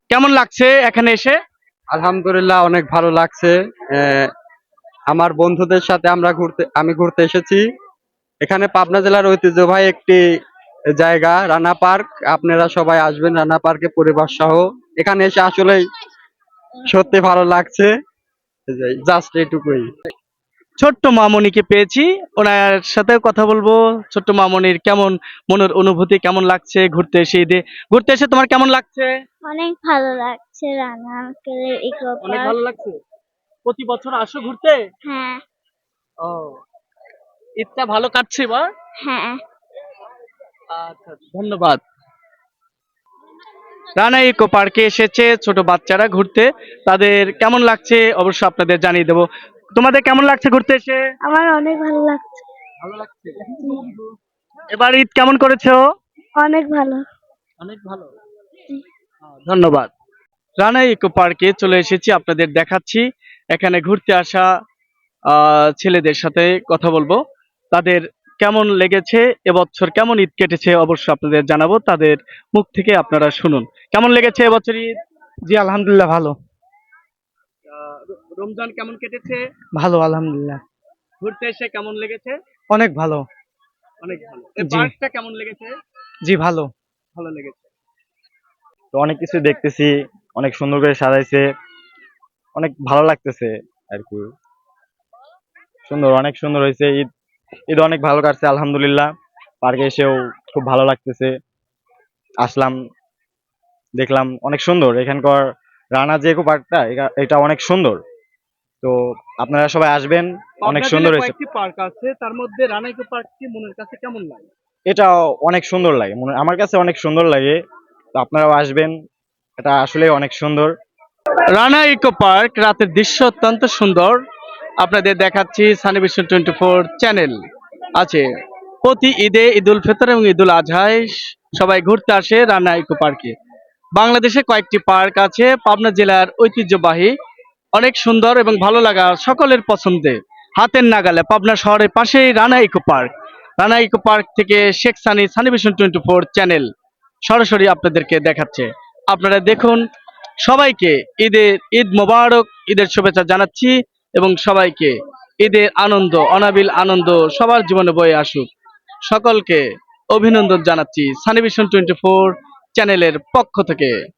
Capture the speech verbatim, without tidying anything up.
কেমন লাগছে এখানে এসে? আলহামদুলিল্লাহ, অনেক ভালো লাগছে। আহ, আমার বন্ধুদের সাথে আমরা ঘুরতে আমি ঘুরতে এসেছি। এখানে পাবনা জেলার ঐতিহ্যবাহী একটি জায়গা রানা পার্ক। আপনারা সবাই আসবেন রানা পার্কে পরিবার সহ। এখানে এসে আসলেই সত্যি ভালো লাগছে। জাস্ট এটুকুই। ছোট্ট মামনিকে পেয়েছি, ওনার সাথে কথা বলবো। ছোট্ট মামনির কেমন মনের অনুভূতি, কেমন লাগছে ঘুরতে এসে? ঈদে ঘুরতে এসে তোমার কেমন লাগছে? অনেক ভালো লাগছে রানা আঙ্কেলের ইকো অনেক পার্ক। ভালো লাগছে। প্রতি বছর আসো ঘুরতে? হ্যাঁ। ও, ঈদটা ভালো কাটছে বা? হ্যাঁ। আচ্ছা, ধন্যবাদ। রানা ইকো পার্কে এসেছে ছোট বাচ্চারা ঘুরতে, তাদের কেমন লাগছে অবশ্য আপনাদের জানিয়ে দেবো। তোমাদের কেমন লাগছে ঘুরতে এসে? আমার অনেক ভালো লাগছে। ভালো লাগছে। এবার ঈদ কেমন করেছো? অনেক ভালো। অনেক ভালো। ধন্যবাদ। রানা ইকো পার্কে চলে এসেছি, আপনাদের দেখাচ্ছি। এখানে ঘুরতে আসা আহ, ছেলেদের সাথে কথা বলবো, তাদের কেমন লেগেছে, এবছর কেমন ঈদ কেটেছে অবশ্য আপনাদের জানাবো, তাদের মুখ থেকে আপনারা শুনুন। কেমন লেগেছে এবছর ঈদ? জি আলহামদুলিল্লাহ, ভালো। আহ, র- রমজান কেমন কেটেছে? ভালো আলহামদুলিল্লাহ। ঘুরতে এসে কেমন লেগেছে? অনেক ভালো। অনেক ভালো। এই জি। পার্কটা কেমন লেগেছে? জি ভালো। ভালো লেগেছে। তো অনেক কিছু দেখতেছি, অনেক সুন্দর করে সাজাইছে, অনেক ভালো লাগতেছে আর কি। সুন্দর, অনেক সুন্দর হয়েছে ঈদ। ঈদ অনেক ভালো কাটছে আলহামদুলিল্লাহ। পার্কে এসেও খুব ভালো লাগতেছে। আসলাম, দেখলাম অনেক সুন্দর এখানকার রানা যে ইকো পার্কটা, এটা এটা অনেক সুন্দর। তো আপনারা সবাই আসবেন, অনেক পাবনা সুন্দর জেলায় হয়েছে। কয়েকটি পার্ক আছে, তার মধ্যে রানা ইকো পার্কটি মনের কাছে কেমন লাগে? এটা অনেক সুন্দর লাগে, মনে আমার কাছে অনেক সুন্দর লাগে। তো আপনারাও আসবেন, এটা আসলে অনেক সুন্দর। রানা ইকো পার্ক রাতের দৃশ্য অত্যন্ত সুন্দর, আপনাদের দেখাচ্ছি। Sunny vision twenty four channel আছে। প্রতি ঈদে, ঈদ উল ফিতর এবং ঈদ উল আজহায় সবাই ঘুরতে আসে রানা ইকো পার্কে। বাংলাদেশে কয়েকটি পার্ক আছে, পাবনা জেলার ঐতিহ্যবাহী, অনেক সুন্দর এবং ভালো লাগা, সকলের পছন্দে, হাতের নাগালে পাবনা শহরের পাশেই Rana eco park. Rana eco park থেকে Sheikh Sunny, Sunny vision twenty four channel সরাসরি আপনাদেরকে দেখাচ্ছে। আপনারা দেখুন। সবাইকে ঈদের ঈদ মোবারক, ঈদের শুভেচ্ছা জানাচ্ছি এবং সবাইকে ঈদের আনন্দ, অনাবিল আনন্দ সবার জীবনে বয়ে আসুক। সকলকে অভিনন্দন জানাচ্ছি সানি ভিশন টোয়েন্টি ফোর চ্যানেলের পক্ষ থেকে।